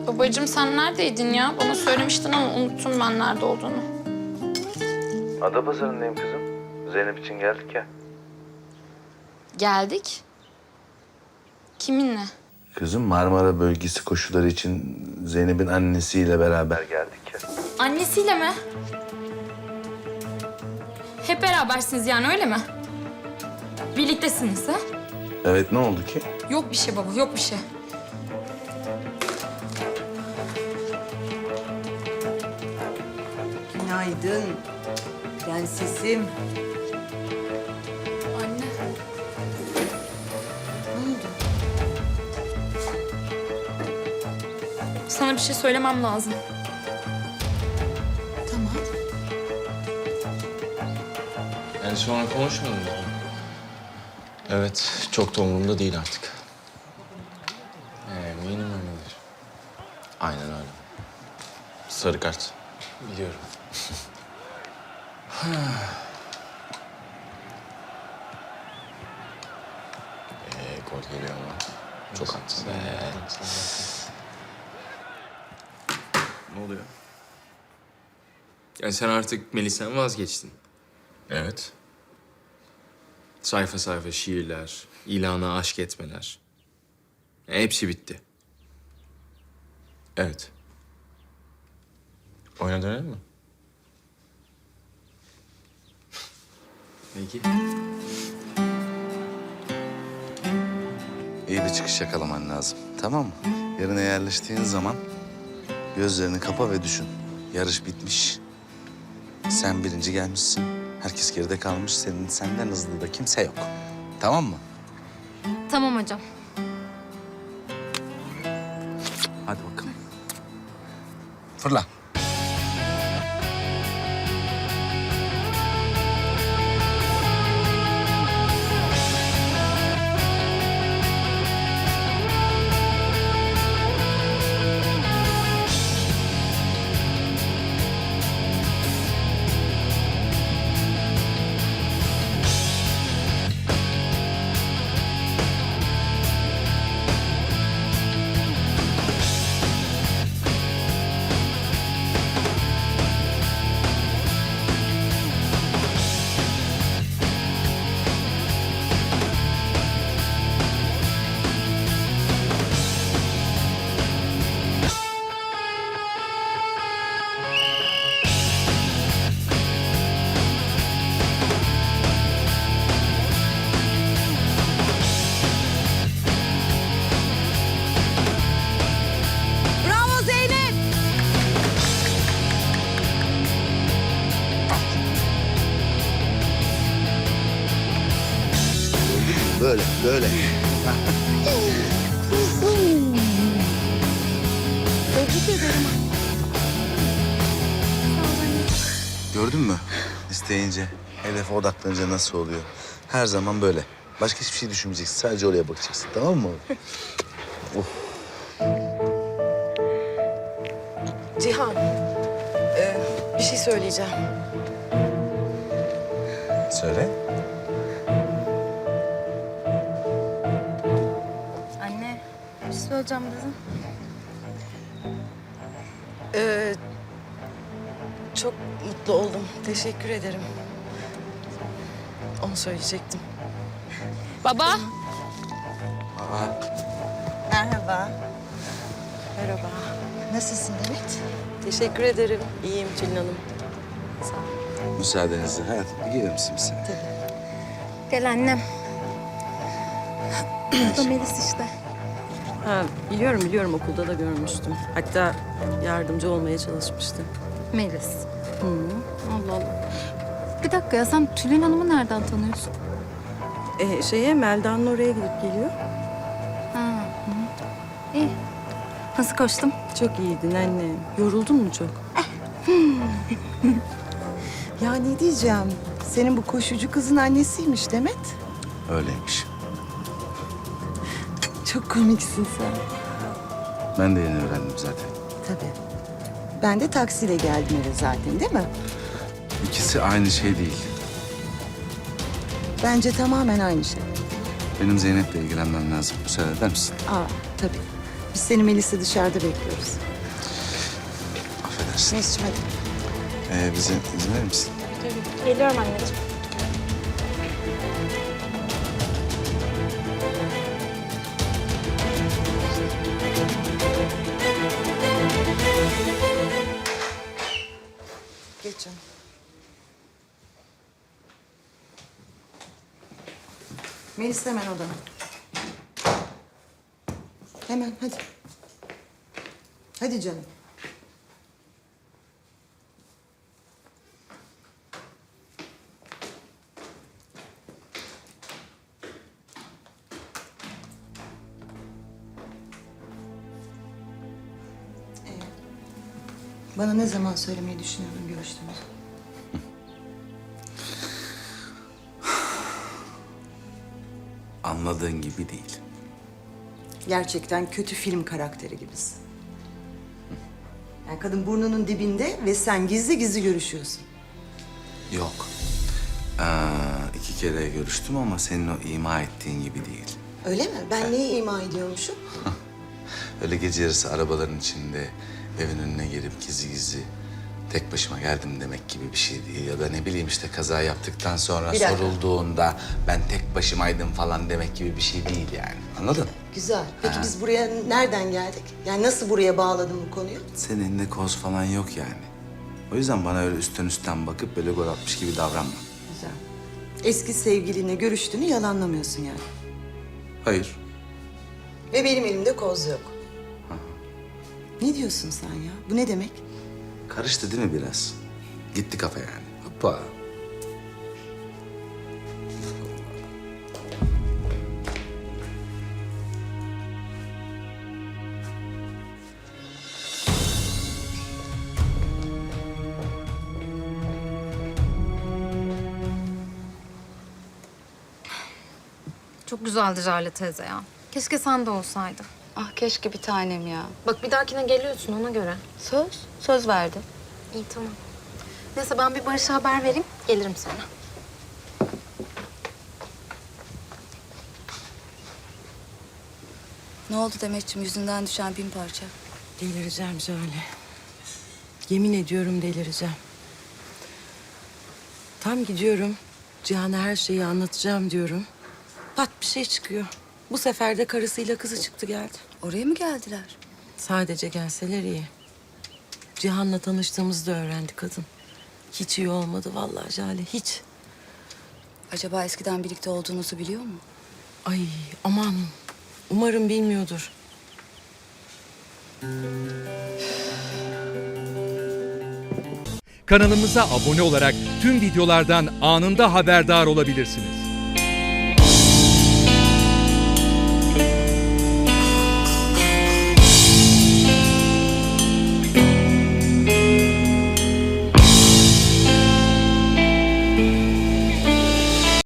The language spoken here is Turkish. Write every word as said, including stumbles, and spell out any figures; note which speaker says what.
Speaker 1: Babacığım sen neredeydin ya? Bana söylemiştin ama unuttum ben nerede olduğunu.
Speaker 2: Adapazarı'ndayım kızım. Zeynep için geldik ya.
Speaker 1: Geldik. Kiminle?
Speaker 2: Kızım Marmara bölgesi koşuları için Zeynep'in annesiyle beraber geldik ya.
Speaker 1: Annesiyle mi? Hep berabersiniz yani öyle mi? Birliktesiniz ha?
Speaker 2: Evet, ne oldu ki?
Speaker 1: Yok bir şey baba, yok bir şey.
Speaker 3: Günaydın. Prensesim.
Speaker 1: Anne.
Speaker 3: Ne oldu?
Speaker 1: Sana bir şey söylemem lazım.
Speaker 3: Tamam.
Speaker 4: Yani sonra konuşmadın mı? Evet, çok da umurumda değil artık. Eminim öyledir. Aynen öyle. Sarı kart. Biliyorum. ee, gol geliyor ama. Çok haklısın.
Speaker 5: Ne oluyor? Yani sen artık Melisa'dan vazgeçtin.
Speaker 4: Evet.
Speaker 5: Sayfa sayfa şiirler, ilana aşk etmeler. Hepsi bitti.
Speaker 4: Evet. Oyuna dönelim mi?
Speaker 5: Peki.
Speaker 2: İyi bir çıkış yakalaman lazım. Tamam mı? Yerine yerleştiğin zaman gözlerini kapa ve düşün. Yarış bitmiş. Sen birinci gelmişsin. Herkes geride kalmış. Senin senden hızlı da kimse yok. Tamam mı?
Speaker 1: Tamam hocam.
Speaker 2: Hadi bakalım. Fırla.
Speaker 3: Bravo Zeynep.
Speaker 2: Böyle, böyle.
Speaker 3: Tebrik ederim.
Speaker 2: Gördün mü? İsteyince, hedefe odaklanınca nasıl oluyor? Her zaman böyle. Başka hiçbir şey düşünmeyeceksin. Sadece oraya bakacaksın. Tamam mı?
Speaker 6: Cihan, e, bir şey söyleyeceğim.
Speaker 2: Söyle.
Speaker 1: Anne, bir şey söyleyeceğim dedim.
Speaker 6: E, çok mutlu oldum. Teşekkür ederim. Onu söyleyecektim.
Speaker 1: Baba.
Speaker 2: Aa,
Speaker 3: Merhaba.
Speaker 6: Merhaba.
Speaker 3: Nasılsın Demet?
Speaker 6: Teşekkür ederim. İyiyim Tülin Hanım. Sağ ol.
Speaker 2: müsaadenizle. Hadi bir gelir misin bir sene?
Speaker 1: Gel annem. Bu da Melis işte.
Speaker 6: Ha, biliyorum biliyorum okulda da görmüştüm. Hatta yardımcı olmaya çalışmıştım.
Speaker 1: Melis. Allah Allah. Bir dakika ya sen Tülin Hanım'ı nereden tanıyorsun?
Speaker 6: E, şeye Melda'nın oraya gidip geliyor.
Speaker 1: Ha, hı. İyi. Nasıl koştum?
Speaker 6: Çok iyiydin anne. Yoruldun mu çok?
Speaker 3: Ya ne diyeceğim? Senin bu koşucu kızın annesiymiş Demet.
Speaker 2: Öyleymiş.
Speaker 3: Çok komiksin sen.
Speaker 2: Ben de yeni öğrendim zaten.
Speaker 3: Tabii. Ben de taksiyle geldim eve zaten değil mi?
Speaker 2: İkisi aynı şey değil.
Speaker 3: Bence tamamen aynı şey.
Speaker 2: Benim Zeynep'le ilgilenmem lazım. Müsaade eder misin?
Speaker 3: Aa tabii. Biz seni Melis'le dışarıda bekliyoruz.
Speaker 2: versin.
Speaker 3: Mesut'cum hadi.
Speaker 2: Ee, bize izin verir misin?
Speaker 7: Geliyorum anneciğim.
Speaker 3: Geç canım. Melis hemen odana. Hemen hadi. Hadi canım. Ee, bana ne zaman söylemeyi düşünüyordun görüştüğümüzü?
Speaker 2: Anladığın gibi değil.
Speaker 3: Gerçekten kötü film karakteri gibisin. Yani kadın burnunun dibinde ve sen gizli gizli görüşüyorsun.
Speaker 2: Yok. Ee, iki kere görüştüm ama senin o ima ettiğin gibi değil.
Speaker 3: Öyle mi? Ben neyi ima ediyormuşum?
Speaker 2: Öyle gece yarısı arabaların içinde evin önüne gelip gizli gizli tek başıma geldim demek gibi bir şey değil. Ya da ne bileyim işte kaza yaptıktan sonra
Speaker 3: Bir dakika.
Speaker 2: sorulduğunda ben tek başımaydım falan demek gibi bir şey değil yani. Anladın?
Speaker 3: Güzel. Peki biz buraya nereden geldik? Yani nasıl buraya bağladın bu konuyu?
Speaker 2: Senin elinde koz falan yok yani. O yüzden bana öyle üstten üstten bakıp böyle gol atmış gibi davranma.
Speaker 3: Güzel. Eski sevgilinle görüştüğünü yalanlamıyorsun yani.
Speaker 2: Hayır.
Speaker 3: Ve benim elimde koz yok. Ne diyorsun sen ya? Bu ne demek?
Speaker 2: Karıştı değil mi biraz? Gitti kafa yani. Hoppa.
Speaker 7: Çok güzeldi Jale teyze ya. Keşke sen de olsaydın.
Speaker 1: Ah keşke bir tanem ya.
Speaker 7: Bak bir dahakine geliyorsun ona göre.
Speaker 1: Söz, söz verdim.
Speaker 7: İyi tamam. Neyse ben bir Barış'a haber vereyim. Gelirim sonra.
Speaker 1: Ne oldu Demetciğim? Yüzünden düşen bin parça.
Speaker 6: Delireceğim Jale. Yemin ediyorum delireceğim. Tam gidiyorum. Cihan'a her şeyi anlatacağım diyorum. Pat bir şey çıkıyor. Bu sefer de karısıyla kızı çıktı geldi.
Speaker 1: Oraya mı geldiler?
Speaker 6: Sadece gelseler iyi. Cihan'la tanıştığımızda öğrendi kadın. Hiç iyi olmadı vallahi Jale, hiç.
Speaker 1: Acaba eskiden birlikte olduğunuzu biliyor mu?
Speaker 6: Ay aman, umarım bilmiyordur.
Speaker 8: Kanalımıza abone olarak tüm videolardan anında haberdar olabilirsiniz.